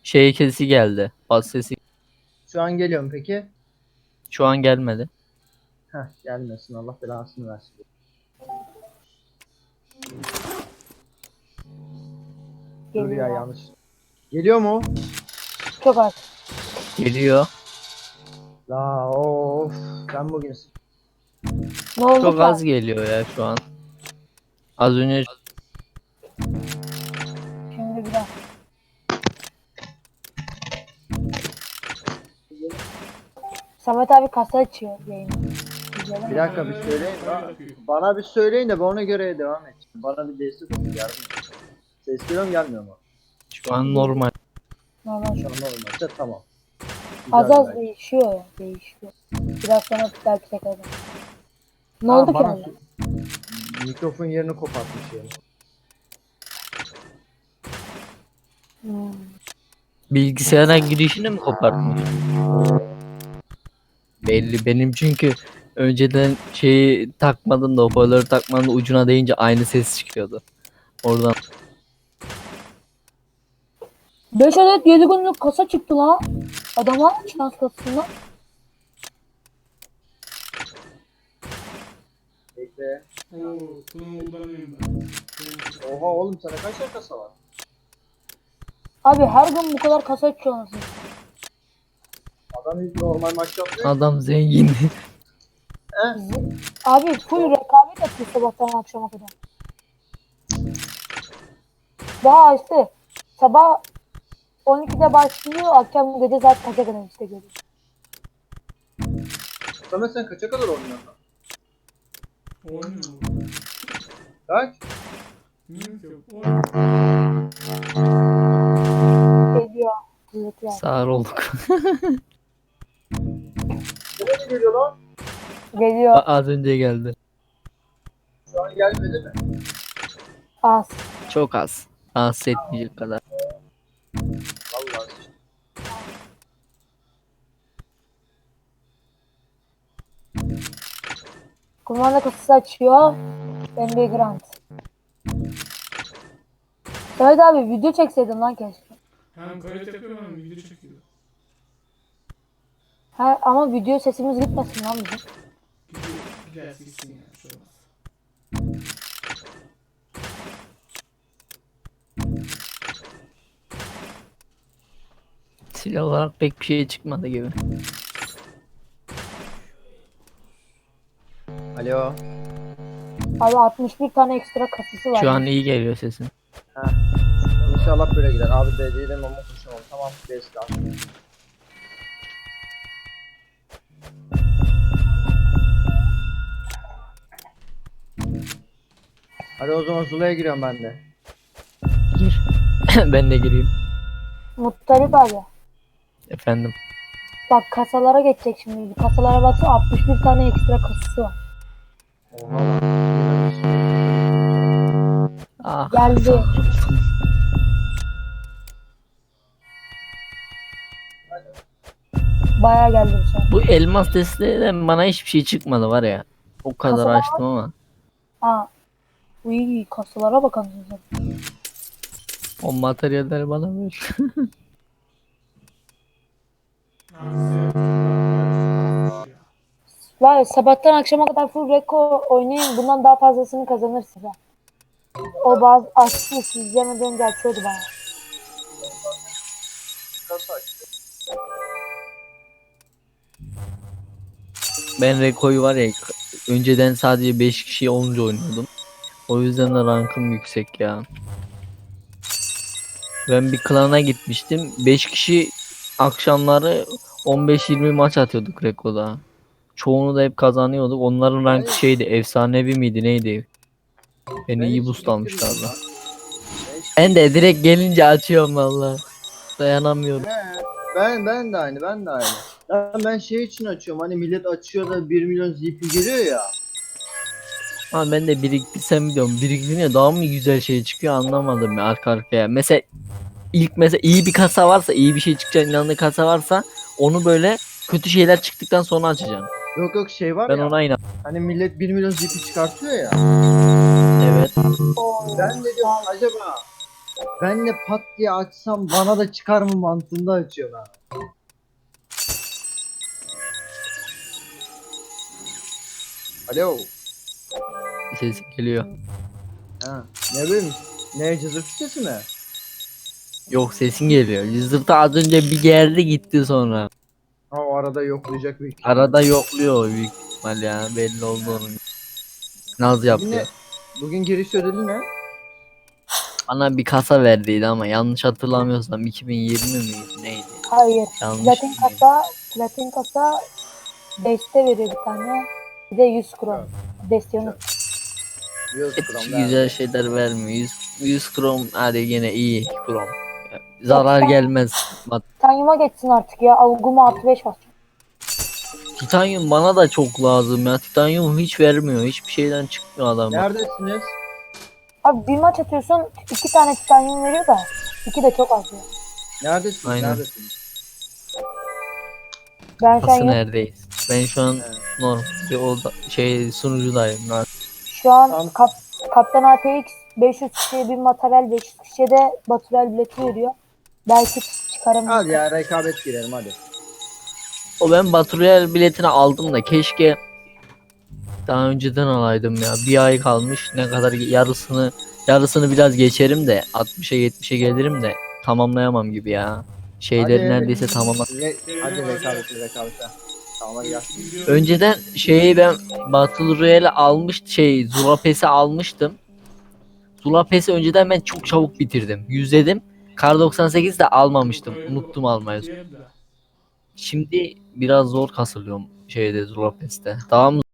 Şey sesi geldi. Bas sesi Şu an geliyor mu peki? şu an gelmedi. Heh, gelmesin, Allah belasını versin. Dur ya, Geliyor. yanlış. Geliyor mu? Çok az. Geliyor. La of, ben bugün Ne oldu Çok ki az abi? geliyor ya şu an. Az önce Şimdi biraz. Samet abi kasa açıyor yayını. İzleyelim bir mi? dakika bir söyleyin. Bana bir söyleyin de ben ona göre devam edeceğim. Bana bir destek olun, yardım edin. Ses geliyor mu gelmiyor mu? şu an normal. Normal Şu şu. an normalse tamam. Az Güzel az belki. değişiyor ya. Değişiyor. Biraz sonra belki tekrar. Ne Ha, oldu ki bana abi? mikrofon yerini kopartmış yani. Hmm. Bilgisayara girişini mi kopartmış? Belli benim çünkü önceden şeyi takmadım da hoparlörü takmadım da ucuna değince aynı ses çıkıyordu. Oradan 5 adet 7 günlük kasa çıktı la. Adama şans kasasından. Bekle. Oo, kullanıyorum ben. Oha oğlum, sana kaç tane kasa var? Abi her gün bu kadar kasa açıyor anasını. Adam hiç normal maç yapmıyor. adam zengin. Abi full rekabet atıyor sabahtan akşama kadar. Daha işte sabah 12'de başlıyor, akşam gece saat kaça kadar işte geliyor. Samet, sen kaça kadar oynuyorsun? Oynuyor. Kaç? Bilmiyorum ki. Oynuyor. Geliyor. Kızlıklar. Sağır olduk. Nereye geliyor lan? Geliyor. Az önce geldi. Şu an gelmedi mi? Az. Çok az. Rahatsız etmeyecek kadar. Vallahi. Kumanda kasası açıyor. NBA Grant. Samet abi video çekseydin lan keşke. Hem kayıt yapıyor hem video çekiyor. Ha, ama video sesimiz gitmesin lan bizim. Giderse gitsin yani. Şey olmaz. Silah olarak pek bir şey çıkmadı gibi. Alo. Abi 61 tane ekstra kasası var. Şu an iyi geliyor sesin. İnşallah böyle gider. Abi dediğim ama konuşamam. Tamam. Destan. Hadi o zaman Zula'ya giriyorum ben de. Gir. Ben de gireyim. Muttalip abi. Efendim. Bak kasalara geçecek şimdi. Kasalara baksana 61 tane ekstra kasası var. Oha. Ah. Geldi. Bayağı geldi bu sefer. Bu elmas desteden bana hiçbir şey çıkmadı var ya. O kadar Kasalar- açtım ama. Ha. Uy kasalara bakalım sen. O materyalleri bana ver. Var ya sabahtan akşama kadar full reko oynayın. Bundan daha fazlasını kazanırsın ha. O bazı açtı siz izlemeden önce açıyordu bana. Ben Reko'yu var ya önceden sadece 5 kişi olunca oynuyordum. O yüzden de rankım yüksek ya. Ben bir klana gitmiştim. 5 kişi akşamları 15-20 maç atıyorduk Reko'da. Çoğunu da hep kazanıyorduk. Onların rankı şeydi, efsanevi miydi neydi? Beni iyi boost almışlardı. Ben de direkt gelince açıyorum valla. Dayanamıyorum. Ben de aynı. Ben şey için açıyorum. Hani millet açıyor da 1 milyon ZP geliyor ya. Ama ben de biriktirsem diyorum. Biriktirince daha mı güzel şey çıkıyor anlamadım ya arka arkaya. Mesela mesela iyi bir kasa varsa, iyi bir şey çıkacağına inandığı kasa varsa onu böyle kötü şeyler çıktıktan sonra açacağım. Yok şey var Ben ya. ona inan. Hani millet 1 milyon ZP çıkartıyor ya. Evet. Ben de diyorum acaba Ben de pat diye açsam bana da çıkar mı mantığında açıyor lan. Alo. Ses geliyor. Ha. Ne bileyim. Ne cızır sesi mi? Yok, sesin geliyor. Zırta az önce bir geldi gitti sonra. Ha o arada yoklayacak bir. Arada yokluyor o büyük ihtimal ya. Belli oldu onun. Naz Bugün, yaptı. ne? Bugün giriş ödülü ne? Bana bir kasa verdiydi ama yanlış hatırlamıyorsam 2020 miydi neydi? Hayır. Yanlış Platin mıydı? platin kasa deste veriyor bir tane. Bir de 100 kron. Desteği unut. Yüz Hep kron güzel verdi. şeyler vermiyor. 100 krom hadi yine iyi krom. Zarar gelmez. Titanyum'a geçsin artık ya. Avguma artı 5 var. Titanyum bana da çok lazım ya. Titanyum hiç vermiyor. Hiçbir şeyden çıkmıyor adamlar. Neredesiniz? Abi bir maç atıyorsun 2 tane titanyum veriyor da 2 de çok az ya. Neredesiniz? Aynen. Neredesiniz? Ben şu an Nasıl yok. neredeyiz? Ben şu an Evet. normal bir oda, sunucudayım. Lan. Şu an Tamam. Kaptan ATX 500 kişiye bir materyal 500 kişiye de batürel bileti veriyor. Belki çıkarım. Hadi ya rekabet girelim hadi. O ben Baturiel biletini aldım da keşke daha önceden alaydım ya. Bir ay kalmış. Ne kadar yarısını biraz geçerim de 60'a 70'e gelirim de tamamlayamam gibi ya. Şeyleri Hadi. neredeyse tamamla. Hadi rekabete. Tamam hadi gel. Önceden ben Battle Royale Zula Pass'i almıştım. Zula Pass'i önceden ben çok çabuk bitirdim. Yüzledim. Kar 98 de almamıştım. Unuttum almayı. Şimdi biraz zor kasılıyorum Zula Pass'te. Daha mı